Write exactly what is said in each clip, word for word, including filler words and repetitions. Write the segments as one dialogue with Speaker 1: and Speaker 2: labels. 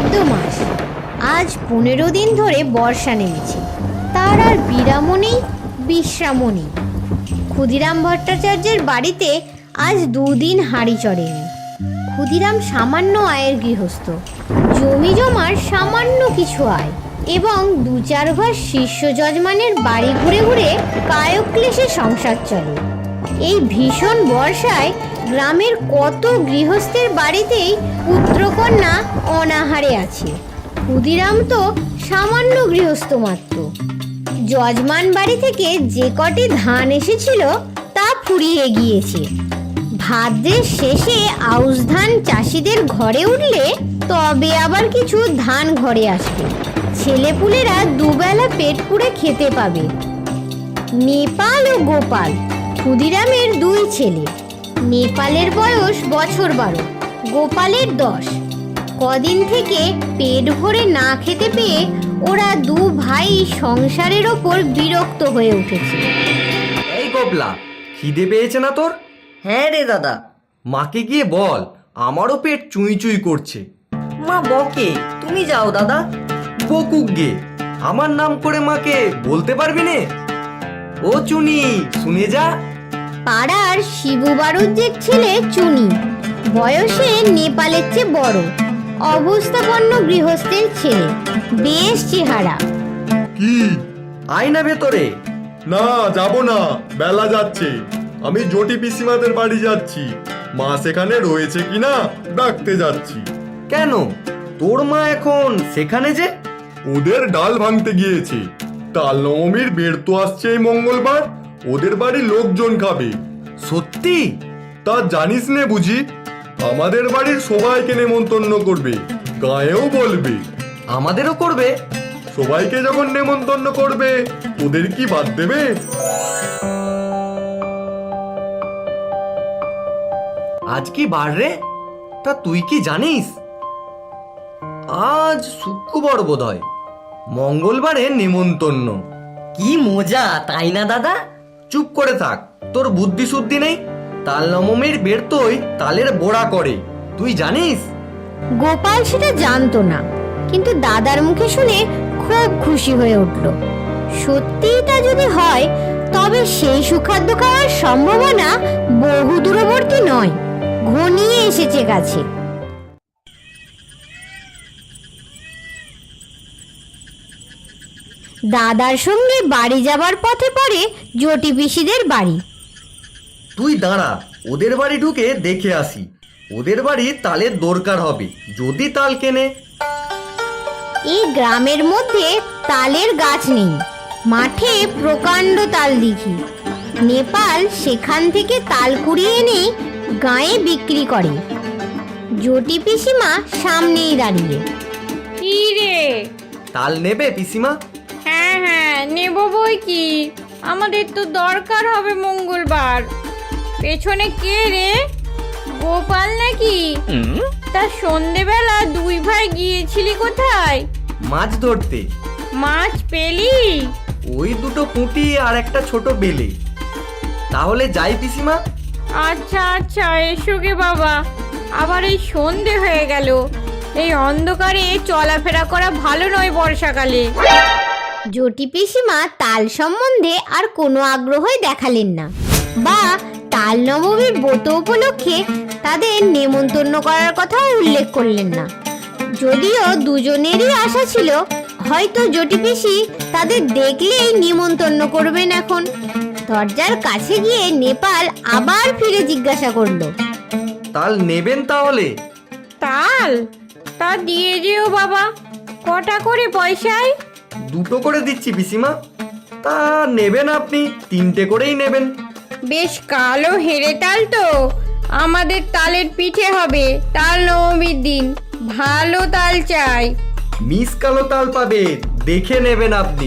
Speaker 1: ভাদ্র মাস। আজ পনেরো দিন ধরে বর্ষা নেমেছে, তার আর বিরামও নেই, বিশ্রামও নেই। ক্ষুদিরাম ভট্টাচার্যের বাড়িতে আজ দুদিন হাঁড়ি চড়েনি। ক্ষুদিরাম সামান্য আয়ের গৃহস্থ, জমি জমার সামান্য কিছু আয় এবং দু চার ঘর শিষ্য যজমানের বাড়ি ঘুরে ঘুরে কায়ক্লেশে সংসার চলে। এই ভীষণ বর্ষায় গ্রামের কত গৃহস্থের বাড়িতেই পুত্রকন্যা অনাহারে আছে। ক্ষুদিরাম তো সামান্য গৃহস্থ মাত্র। যজমান বাড়ি থেকে যে কটি ধান এসেছিল তা ফুরিয়ে গিয়েছে। ভাদ্রের শেষে আউশ ধান চাষিদের ঘরে উঠলে তবে আবার কিছু ধান ঘরে আসবে। ছেলেপুলেরা দুবেলা পেট পুড়ে খেতে পাবে। নেপাল ও গোপাল ক্ষুদিরামের দুই ছেলে। নেপালের বয়স বছর বারো, গোপালের দশ। কদিন থেকে পেট ভরে না খেতে পেয়ে ওরা দু ভাই সংসারের ওপর বিরক্ত হয়ে উঠেছে।
Speaker 2: এই গোপলা, খিদে পেয়েছে না তোর?
Speaker 3: হ্যাঁ রে দাদা।
Speaker 2: মাকে গিয়ে বল, আমারও পেট চুই চুই করছে।
Speaker 3: মা বকে, তুমি যাও দাদা।
Speaker 2: বকুক গে, আমার নাম করে মাকে বলতে পারবি নে? ও চুনি, শুনে যা।
Speaker 1: পাড়ার শিবু বাড়ুজ্যের ছেলে চুনি, বয়সে নেপালের চেয়ে বড়, অবস্থাপন্ন গৃহস্থের ছেলে, বেশ চেহারা।
Speaker 4: কি?
Speaker 2: আয় না ভেতরে।
Speaker 4: না, যাব না, বেলা যাচ্ছে। আমি জটি পিসিমাদের বাড়ি যাচ্ছি। মা সেখানে রয়েছে কিনা ডাকতে যাচ্ছি।
Speaker 2: কেন, তোর মা এখন সেখানে যে?
Speaker 4: ওদের ডাল ভাঙতে গিয়েছে। তাল নবমীর বের তো আসছে এই মঙ্গলবার, ওদের বাড়ি লোকজন খাবে।
Speaker 2: সত্যি?
Speaker 4: তা জানিস নে বুঝি? আমাদের বাড়ির সবাইকে নেমন্তন্ন করবে, গায়েও বলবে।
Speaker 2: আমাদেরও করবে?
Speaker 4: সবাইকে যখন নেমন্তন্ন করবে, ওদের কি বাদ দেবে?
Speaker 2: আজ কি বার রে? তা তুই কি জানিস? আজ শুক্রবার বোধ হয়। মঙ্গলবারে নেমন্তন্ন।
Speaker 3: কি মজা, তাই না দাদা?
Speaker 2: চুপ করে থাক, তোর বুদ্ধি শুদ্ধি নেই। তাল নবমীর বেরতই তালের বড়া করে, তুই জানিস?
Speaker 1: গোপাল সেটা জানতো না, কিন্তু দাদার মুখে শুনে খুব খুশি হয়ে উঠল। সত্যিই তা যদি হয়, তবে সেই সুখাদ্য খাওয়ার সম্ভাবনা বহু দূরবর্তী নয়, ঘনিয়ে এসেছে কাছে। দাদার সঙ্গে বাড়ি যাবার পথে পড়ে জটি পিসিদের বাড়ি।
Speaker 2: তুই দাঁড়া, ওদের বাড়ি ঢুকে দেখে আসি। ওদের বাড়ি তালের দরকার হবে, যদি তাল কেনে।
Speaker 1: এই গ্রামের মধ্যে তালের গাছ নেই, মাঠে প্রকাণ্ড তাল দিঘি। নেপাল সেখান থেকে তাল কুড়িয়ে এনে গায়ে বিক্রি করে। জটি পিসিমা সামনেই দাঁড়িয়ে।
Speaker 5: কি রে?
Speaker 2: তাল নেবে পিসিমা?
Speaker 5: হ্যাঁ হ্যাঁ নেব বই কি, আমাদের তো দরকার হবে মঙ্গলবার। পেছনে কে রে? গোপাল নাকি? তা সন্ধেবেলা দুই ভাই গিয়েছিলি কোথায়?
Speaker 2: মাছ ধরতে।
Speaker 5: মাছ পেলি?
Speaker 2: ওই দুটো পুঁটি আর একটা ছোট বেলে। তাহলে যাই পিসিমা?
Speaker 5: আচ্ছা আচ্ছা, এসো গে বাবা। আবার এই সন্ধে হয়ে গেল, এই অন্ধকারে চলাফেরা করা ভালো নয় বর্ষাকালে।
Speaker 1: জটি পিসিমা তাল সম্বন্ধে আর কোনো আগ্রহই দেখালেন না, বা তাল নবমীর ব্রত উপলক্ষে তাদের নেমন্তন্ন করার কথা উল্লেখ করলেন না। যদিও দুজনেরই আশা ছিল হয়তো জটি পিসি তাদের দেখলেই নিমন্তন্ন করবেন। এখন দরজার কাছে গিয়ে নেপাল আবার ফিরে জিজ্ঞাসা করলো,
Speaker 2: তাল নেবেন তাহলে?
Speaker 5: তাল? তা দিয়ে যেও বাবা। কটা করে পয়সায়?
Speaker 2: দুটো করে দিচ্ছি পিসিমা। তা নেবেন আপনি? তিনটে করেই নেবেন।
Speaker 5: বেশ কালো হেরে তাল তো, আমাদের তালের পিঠে হবে তাল নবমীর দিন। ভালো তাল চাই।
Speaker 2: মিস কালো তাল পাবে, দেখে নেবেন আপনি।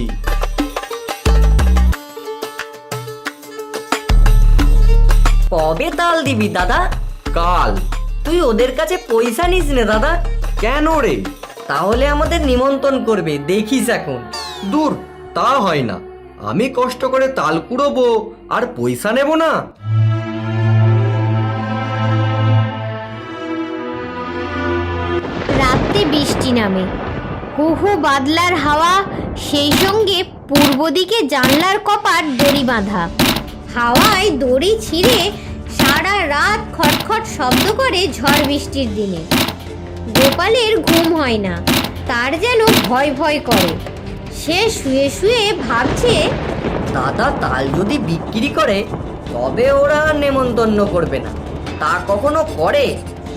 Speaker 3: কবে তাল দিবি দাদা?
Speaker 2: কাল।
Speaker 3: তুই ওদের কাছে পয়সা নিস নে দাদা।
Speaker 2: কেন রে?
Speaker 3: তাহলে আমাদের নিমন্ত্রণ করবে, দেখিস এখন।
Speaker 2: দূর, তা হয় না। আমি কষ্ট করে তাল কুড়োবো আর পয়সা নেব না?
Speaker 1: রাত্রি রাতে বৃষ্টি নামে। হু হু বাদলার হাওয়া, সেই সঙ্গে পূর্ব দিকে জানলার কপাট দড়ি বাঁধা। হাওয়ায় দড়ি ছিঁড়ে সারা রাত খটখট শব্দ করে ঝড় বৃষ্টির দিনে। গোপালের ঘুম হয় না, তার যেন ভয় ভয় করে। সে শুয়ে শুয়ে ভাবছে,
Speaker 3: দাদা তাল যদি বিক্রি করে তবে ওরা আর নেমন্তন্ন করবে না, তা কখনো করে?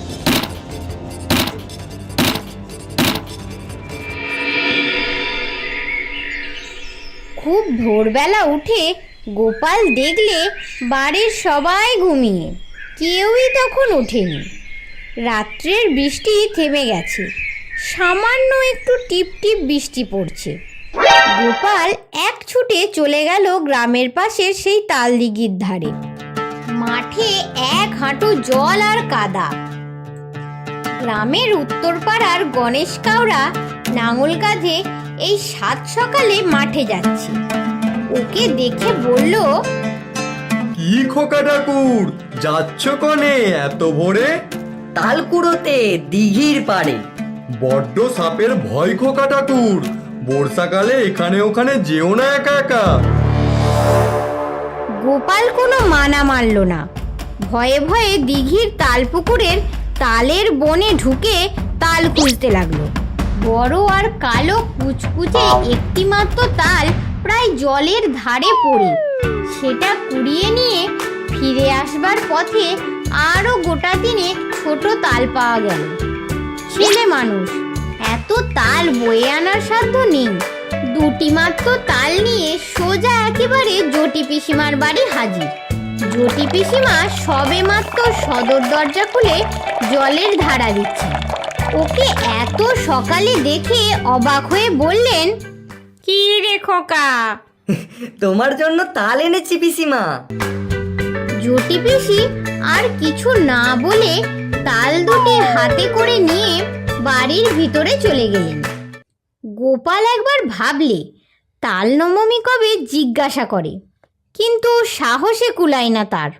Speaker 1: খুব ভোরবেলা উঠে গোপাল দেখলে বাড়ির সবাই ঘুমিয়ে, কেউই তখন ওঠেনি। রাত্রের বৃষ্টি থেমে গেছে, সামান্য একটু টিপ টিপ বৃষ্টি পড়ছে। গোপাল এক ছুটে চলে গেল গ্রামের পাশের সেই তালদিঘির ধারে। মাঠে এক হাঁটু জল আর কাদা। গ্রামের উত্তর পাড়ার গণেশ কাউরা নাঙল কাঁধে এই সাত সকালে মাঠে যাচ্ছে। ওকে দেখে বলল,
Speaker 4: কি খোকা ঠাকুর, যাচ্ছ কনে এত ভোরে?
Speaker 3: তাল কুড়োতে দিঘির পাড়ে।
Speaker 4: বড্ড সাপের ভয় খোকা ঠাকুর, বর্ষাকালে এখানে ওখানে যেও না একা একা।
Speaker 1: গোপাল কোনো মানা মানল না। ভয়ে ভয়ে দিঘির তাল পুকুরের তালের বনে ঢুকে তাল খুঁজতে লাগলো। বড় আর কালো কুচকুচে একটি মাত্র তাল প্রায় জলের ধারে পড়ে, সেটা কুড়িয়ে নিয়ে ফিরে আসবার পথে আরো গোটা তিনেক ছোট তাল পাওয়া গেল। ছেলে মানুষ, এত তাল বয়ে আনার সাধ্য নেই। দুটি মাত্র তাল নিয়ে সোজা একেবারে জটি পিসিমার বাড়ি হাজির। জটি পিসিমা সবে মাত্র সদর দরজা খুলে জলের ধারা দিচ্ছে। ওকে এত সকালে দেখে অবাক হয়ে বললেন,
Speaker 5: কি রে খোকা?
Speaker 3: তোমার জন্য তাল এনেছি পিসিমা।
Speaker 1: জটি পিসি আর কিছু না বলে তাল দুটি হাতে করে নিয়ে বাড়ির ভিতরে চলে গেলেন। গোপাল একবার ভাবলে তাল নবমী কবে জিজ্ঞাসা করে, কিন্তু সাহসে কুলায় না তার।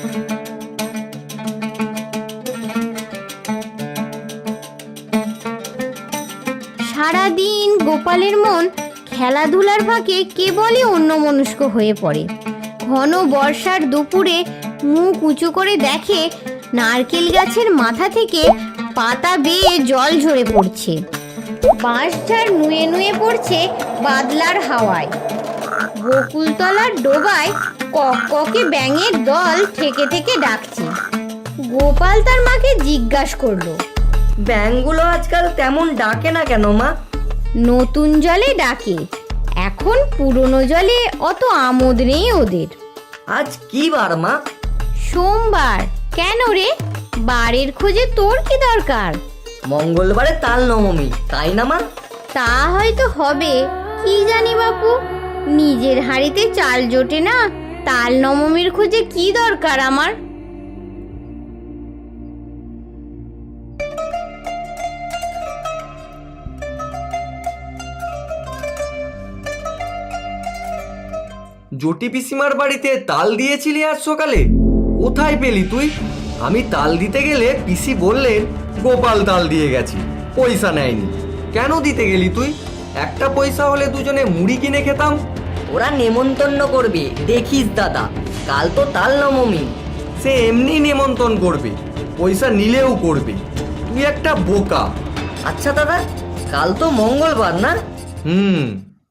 Speaker 1: সারাদিন গোপালের মন খেলাধুলার ফাঁকে কেবলই অন্যমনস্ক হয়ে পড়ে। ঘন বর্ষার দুপুরে মুখ উঁচু করে দেখে নারকেল গাছের মাথা থেকে পাতা বেয়ে জল ঝরে পড়ছে। বাঁশঝাড় নুয়ে নুয়ে পড়ছে বাদলার হাওয়ায়। বকুলতলার ডোবায় কককে ব্যাঙের দল থেকে থেকে ডাকছে। গোপাল তার মাকে জিজ্ঞাসা করলো,
Speaker 3: ব্যাঙগুলো আজকাল তেমন ডাকে না কেন মা?
Speaker 1: নতুন জলে ডাকে, এখন পুরনো জলে অত আমোদ নেই ওদের।
Speaker 3: আজ কি বার মা?
Speaker 1: সোমবার। কেন রে, বারের খোঁজে তোর কি দরকার?
Speaker 3: মঙ্গলবারে তাল নবমী, তাই না মা?
Speaker 1: তা হয়তো হবে, কি জানি বাপু। নিজের হাঁড়িতে চাল জোটে না, তাল নবমীর খোঁজে কি দরকার আমার?
Speaker 2: জটি পিসিমার বাড়িতে তাল দিয়েছিলি আজ সকালে? কোথায় পেলি তুই? আমি তাল দিতে গেলে পিসি বললেন গোপাল তাল দিয়ে গেছি, পয়সা নেয়নি। কেন দিতে গেলি তুই? একটা পয়সা হলে দুজনে মুড়ি কিনে খেতাম।
Speaker 3: ওরা নেমন্তন্ন করবে, দেখিস দাদা, কাল তো তাল নবমী।
Speaker 2: সে এমনি নেমন্তন্ন করবে, পয়সা নিলেও করবে। তুই একটা বোকা।
Speaker 3: আচ্ছা দাদা, কাল তো মঙ্গলবার না?
Speaker 2: হুম।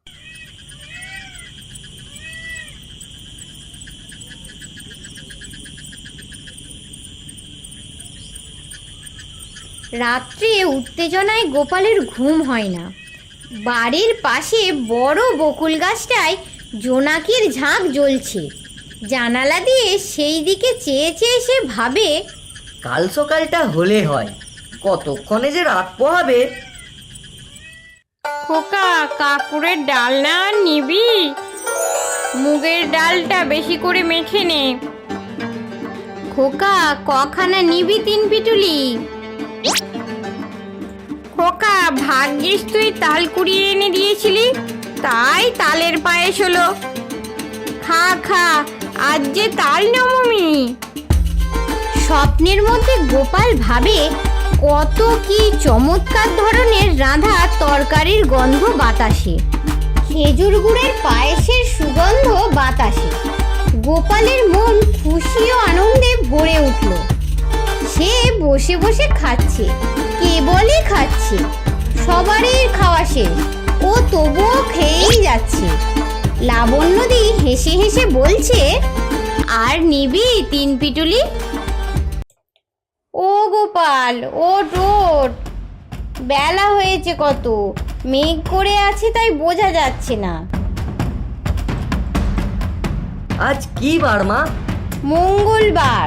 Speaker 1: রাত্রে উত্তেজনায় গোপালের ঘুম হয় না। বাড়ির পাশে বড় বকুল গাছটায় জোনাকির ঝাঁক জ্বলছে। জানালা দিয়ে সেই দিকে চেয়ে চেয়ে সে ভাবে,
Speaker 3: কাল সকালটা হলে হয়, কতক্ষণে যে রাত পোহাবে।
Speaker 5: খোকা, কাকুরের ডাল না নিবি? মুগের ডালটা বেশি করে মেখে নে।
Speaker 1: খোকা, কখানা নিবি তিন পিটুলি?
Speaker 5: খোকা, ভাগ্যিস তুই তাল কুড়িয়ে এনে দিয়েছিলি, তাই তালের পায়েস হলো। খা খা, আজ যে তাল নবমী।
Speaker 1: স্বপ্নের মধ্যে গোপাল ভাবে কত কি চমৎকার ধরনের রাঁধা তরকারির গন্ধ বাতাসে, খেজুর গুড়ের পায়েসের সুগন্ধ বাতাসে। গোপালের মন খুশি ও আনন্দে ভরে উঠল। সে বসে বসে খাচ্ছে, কেবলই খাচ্ছে। সবারই খাওয়া শেষ, ও তবুও খেয়েই যাচ্ছে। লাবণ্যদি হেসে হেসে বলছে, আর নিবি তিন পিটুলি? ও গোপাল, ওট ওট, বেলা হয়েছে কত, মেঘ করে আছে তাই বোঝা যাচ্ছে না।
Speaker 3: আজ কি বার মা?
Speaker 1: মঙ্গলবার।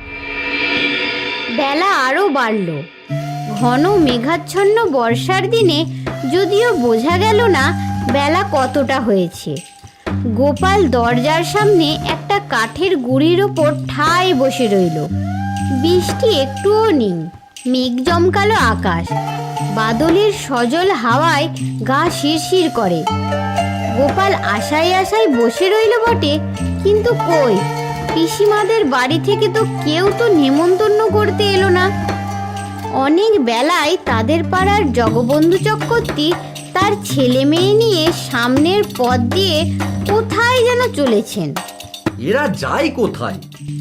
Speaker 1: বেলা আরো বাড়ল। ঘন মেঘাচ্ছন্ন বর্ষার দিনে যদিও বোঝা গেল না বেলা কতটা হয়েছে। গোপাল দরজার সামনে একটা কাঠের গুঁড়ির ওপর ঠায় বসে রইল। বৃষ্টি একটুও নেই, মেঘ জমকালো আকাশ, বাদলের সজল হাওয়ায় গা শিরশির করে। গোপাল আশায় আশায় বসে রইল বটে, কিন্তু কই, পিসিমাদের বাড়ি থেকে তো কেউ তো নেমন্তন্ন করতে এলো না। অনেক বেলায় তাদের পাড়ার জগবন্ধু চক্রবর্তী তার ছেলে মেয়ে নিয়ে সামনের পথ দিয়ে কোথায় যেন চলেছেন।
Speaker 2: এরা যায় কোথায়?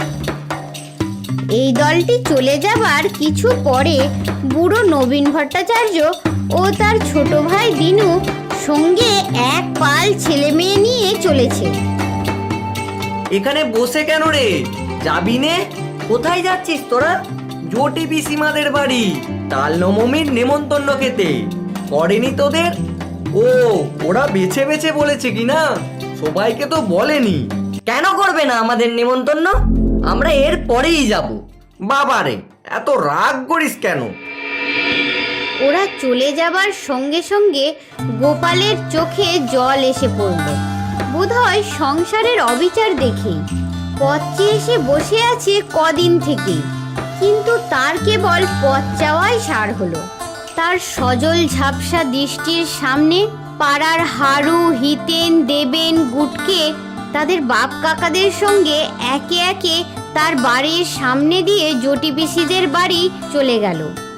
Speaker 1: এই দলটি চলে যাবার কিছু পরে বুড়ো নবীন ভট্টাচার্য ও তার ছোট ভাই দিনু সঙ্গে এক পাল ছেলে মেয়ে নিয়ে চলেছে।
Speaker 2: এখানে বসে কেন রে? যাবি নে?
Speaker 3: কোথায় যাচ্ছিস তোরা?
Speaker 2: জটি পিসিমাদের বাড়ি, তাল নবমীর নেমন্তন্ন খেতে। করেনি তোদের? ও, ওরা বেছে বেছে বলেছে কি না, সবাইকে তো বলেনি।
Speaker 3: কেন করবে না আমাদের নেমন্তন্ন? আমরা এর পরেই যাব।
Speaker 2: বাবারে, এত রাগ করিস কেন?
Speaker 1: ওরা চলে যাবার সঙ্গে সঙ্গে গোপালের চোখে জল এসে পড়ল। বোধহয় সংসারের অবিচার দেখেই। পথ চেয়ে এসে বসে আছে কদিন থেকে, কিন্তু তার কেবল পথ চাওয়াই সার হলো। তার সজল ঝাপসা দৃষ্টির সামনে পাড়ার হারু, হিতেন, দেবেন, গুটকে তাদের বাপ কাকাদের সঙ্গে একে একে তার বাড়ির সামনে দিয়ে জটি পিসিদের বাড়ি চলে গেল।